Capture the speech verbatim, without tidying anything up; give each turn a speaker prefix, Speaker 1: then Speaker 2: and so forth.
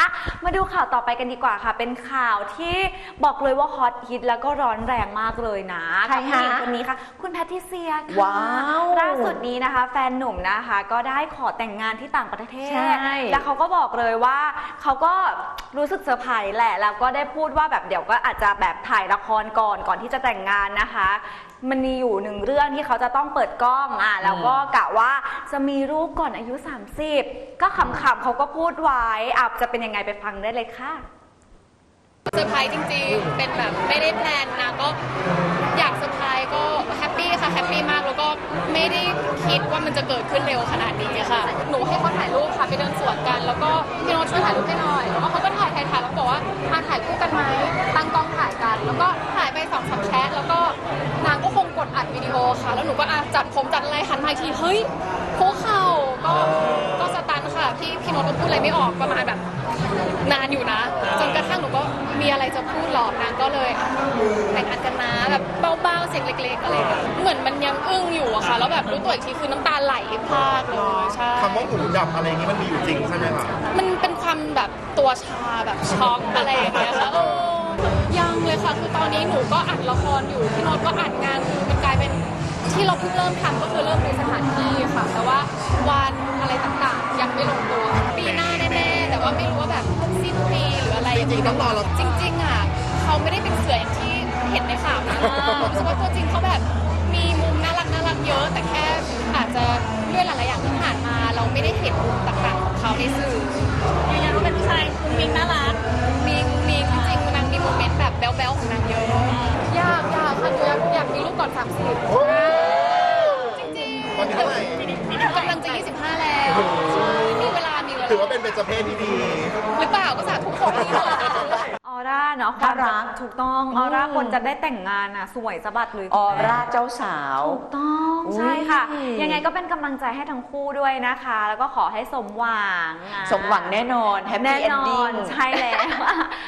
Speaker 1: อ่ะมาดูข่าวต่อไปกันดีกว่าค่ะเป็นข่าวที่บอกเลยว่าฮอตฮิตแล้วก็ร้อนแรงมากเลยนะกับผู้หญิงคนนี้ค่ะคุณแพทริเซียค่ะ
Speaker 2: ว้าว
Speaker 1: ล่าสุดนี้นะคะแฟนหนุ่มนะคะก็ได้ขอแต่งงานที่ต่างประเทศ
Speaker 2: ใช่
Speaker 1: แล้วเขาก็บอกเลยว่าเขาก็รู้สึกเซอร์ไพรส์แหละแล้วก็ได้พูดว่าแบบเดี๋ยวก็อาจจะแบบถ่ายละครก่อนก่อนที่จะแต่งงานนะคะมันมีอยู่หนึ่งเรื่องที่เขาจะต้องเปิดกล้องอ่ะแล้วก็กะว่าจะมีลูกก่อนอายุสามสิบก็ขำๆเขาก็พูดไว้อ่ะจะเป็นยังไงไปฟังได้เลยค่ะ
Speaker 3: เซอร์ไพรส์จริงๆเป็นแบบไม่ได้แพลนนะก็อยากเซอร์ไพรส์ก็แฮปปี้ค่ะแฮปปี้มากแล้วก็ไม่ได้คิดว่ามันจะเกิดขึ้นเร็วขนาดนี้ค่ะหนูให้เขาถ่ายรูปค่ะไปเดินสวนกันแล้วก็พี่โน้ตช่วยถ่ายรูปให้หน่อยแล้วก็เขาก็ถ่ายถ่ายถ่ายแล้วบอกว่ามาถ่ายคู่กันไหมตั้งกล้องถ่ายกันแล้วก็ถ่ายไปสองสามแชทแล้วก็นางก็คงกดอัดวิดีโอค่ะแล้วหนูก็อ่ะจัดผมจัดอะไรหันมาอีกทีเฮ้ยคุกเข่าก็ก็สตันค่ะพี่พี่โน้ตก็พูดอะไรไม่ออกประมาณแบบนานอยู่นะจนกระทั่งหนูก็มีอะไรจะพูดหรอกนางก็เลยแต่งงานกันนะแบบเบาๆเสียงเล็กๆอะไรเหมือนมันยังอึ้งอยู่อะค่ะแล้วแบบรู้ตัวอีกทีคือน้ำตาไหลพรากเลยใช่
Speaker 4: คำว่าหูดับอะไรนี้มันมีอยู่จริงใช่ไหมคะ
Speaker 3: มันเป็นความแบบตัวชาแบบช็อกอะไรอย่างเงี้ยค่ะเออยังเลยค่ะคือตอนนี้หนูก็อัดละครอยู่พี่โน้ตก็อัดงานคือมันกลายเป็นที่เราเพิ่งเริ่มทำก็คือเริ่มดูสถานที่ค่ะแต่ว่าวันอะไรต่างๆยังไม่ลงตัวปีหน้าแน่ๆแต่ว่าไม่รู้ว่าแบบสิ้นปีหรืออะไรจริงๆต้องรอเราจริงๆอ่ะเขาไม่ได้เป็นเสืออย่างที่เห็นในข่าวนะรู้สึกว่าตัวจริงเขาแบบมีมุมน่ารักน่ารักเยอะแต่แค่อาจจะด้วยหลายๆอย่างที่ผ่านมาเราไม่ได้เห็นมุมต่างๆของเขาในสื่อยืนยันว่าเป็นผู้ชายมุ้งมิ้งน่ารักมีมีจริงๆนางมีโมเมนต์แบบแบ๊วๆของนางเยอะยากยากค่ะหนูอยากอยากมีลูกก่อนสามสิบจริงๆ
Speaker 4: ตอนนี้เท่าไหร่
Speaker 3: กำลังจะยี่สิบห้าแล้วมีเวลามีเวลา
Speaker 4: ถือว่าเป็นเบญจเพศที่ดี
Speaker 3: หรือเปล่าก็สาธุขอที่หรอ
Speaker 1: ออร่าเนาะความรักถูกต้องออร่าคนจะได้แต่งงานอ่ะสวยสะบัดเลย
Speaker 2: ออร่าเจ้าสาว
Speaker 1: ถูกต้องใช่ค่ะยังไงก็เป็นกำลังใจให้ทั้งคู่ด้วยนะคะแล้วก็ขอให้สมหวัง
Speaker 2: สมหวังแน่นอนแฮปปี้เอนดิ้ง
Speaker 1: ใช่แล้ว